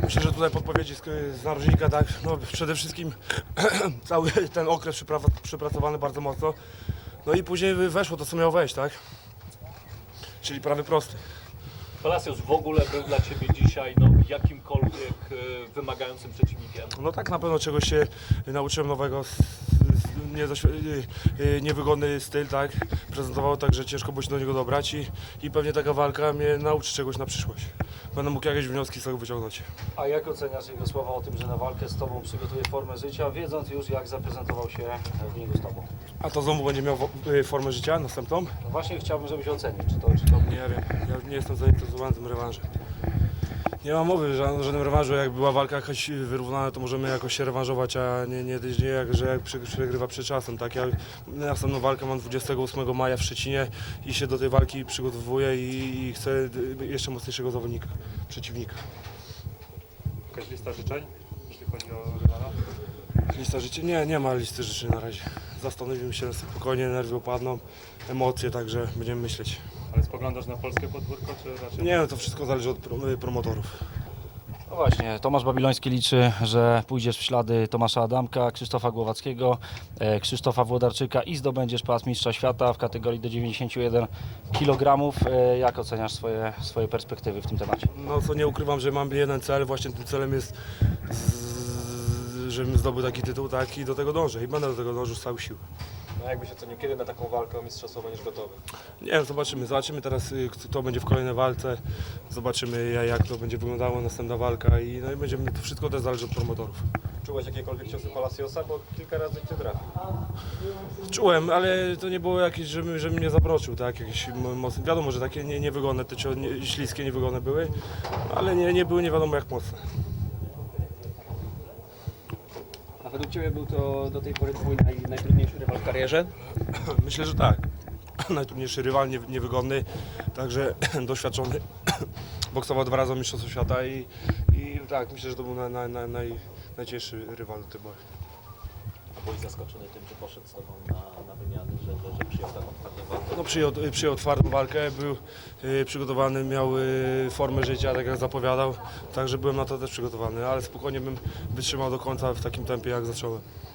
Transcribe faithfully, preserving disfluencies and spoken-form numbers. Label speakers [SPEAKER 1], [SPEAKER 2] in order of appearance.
[SPEAKER 1] myślę, że tutaj podpowiedzi z, z narożnika, tak, no przede wszystkim cały ten okres przypra przepracowany bardzo mocno, no i później weszło to, co miało wejść, tak, czyli prawy prosty.
[SPEAKER 2] Palacios w ogóle był dla Ciebie dzisiaj no, jakimkolwiek e, wymagającym przeciwnikiem?
[SPEAKER 1] No tak, na pewno czegoś się nauczyłem nowego, s- s- niedoświ- y, y, niewygodny styl, tak, prezentował tak, że ciężko było się do niego dobrać i, i pewnie taka walka mnie nauczy czegoś na przyszłość. Będę mógł jakieś wnioski z tego wyciągnąć.
[SPEAKER 3] A jak oceniasz jego słowa o tym, że na walkę z Tobą przygotuje formę życia, wiedząc już jak zaprezentował się w ringu z Tobą?
[SPEAKER 1] A to znowu będzie miał wo- y, formę życia następną?
[SPEAKER 3] No właśnie chciałbym, żebyś ocenił, czy to, czy to...
[SPEAKER 1] Nie wiem, ja nie jestem zainteresowany tym rewanżem. Nie ma mowy, że o żadnym rewanżu, jak była walka jakaś wyrównana, to możemy jakoś się rewanżować, a nie, nie, nie jak, że jak przy- przegrywa przed czasem. Tak? Ja następną walkę mam dwudziestego ósmego maja w Szczecinie i się do tej walki przygotowuję i, i chcę jeszcze mocniejszego zawodnika, przeciwnika.
[SPEAKER 4] Jakaś lista życzeń, jeśli chodzi o rywala?
[SPEAKER 1] Lista życzeń? Nie, nie ma listy życzeń na razie. Zastanowimy się spokojnie, nerwy opadną, emocje, także będziemy myśleć.
[SPEAKER 4] Ale spoglądasz na polskie podwórko, czy raczej...
[SPEAKER 1] Nie, no to wszystko zależy od prom- promotorów.
[SPEAKER 3] No właśnie, Tomasz Babiloński liczy, że pójdziesz w ślady Tomasza Adamka, Krzysztofa Głowackiego, e, Krzysztofa Włodarczyka i zdobędziesz pas mistrza świata w kategorii do dziewięćdziesięciu jeden kilogramów. E, jak oceniasz swoje, swoje perspektywy w tym temacie?
[SPEAKER 1] No co nie ukrywam, że mam jeden cel, właśnie tym celem jest, z, żebym zdobył taki tytuł, tak i do tego dążę i będę do tego dążył z całych sił.
[SPEAKER 5] No jakbyś ocenił, kiedy na taką walkę o mistrzostwo będziesz gotowy?
[SPEAKER 1] Nie wiem, zobaczymy, zobaczymy teraz y, kto będzie w kolejnej walce, zobaczymy ja- jak to będzie wyglądało następna walka i, no i będziemy, to wszystko też zależy od promotorów.
[SPEAKER 5] Czułeś jakiekolwiek ciosy Palaciosa, bo kilka razy cię trafił.
[SPEAKER 1] Czułem, ale to nie było jakieś, żeby, żeby mnie zabroczył, tak, jakieś mo- mocne, wiadomo, że takie nie, niewygodne, te cio- nie, śliskie, niewygodne były, ale nie, nie były nie wiadomo jak mocne.
[SPEAKER 6] A według Ciebie był to do tej pory Twój naj, najtrudniejszy rywal w karierze?
[SPEAKER 1] Myślę, że tak. Najtrudniejszy rywal, nie- niewygodny, także doświadczony. Boksował dwa razy o mistrzostwo świata i, i tak, myślę, że to był na, na, na, naj, najcięższy rywal do tej pory.
[SPEAKER 2] A byłeś zaskoczony tym, że poszedł z Tobą na, na wymiany, że, że, że przyjął taką twardą walkę?
[SPEAKER 1] No, przyjął, przyjął twardą walkę, był y, przygotowany, miał y, formę życia, tak jak zapowiadał, także byłem na to też przygotowany, ale spokojnie bym wytrzymał do końca w takim tempie, jak zacząłem.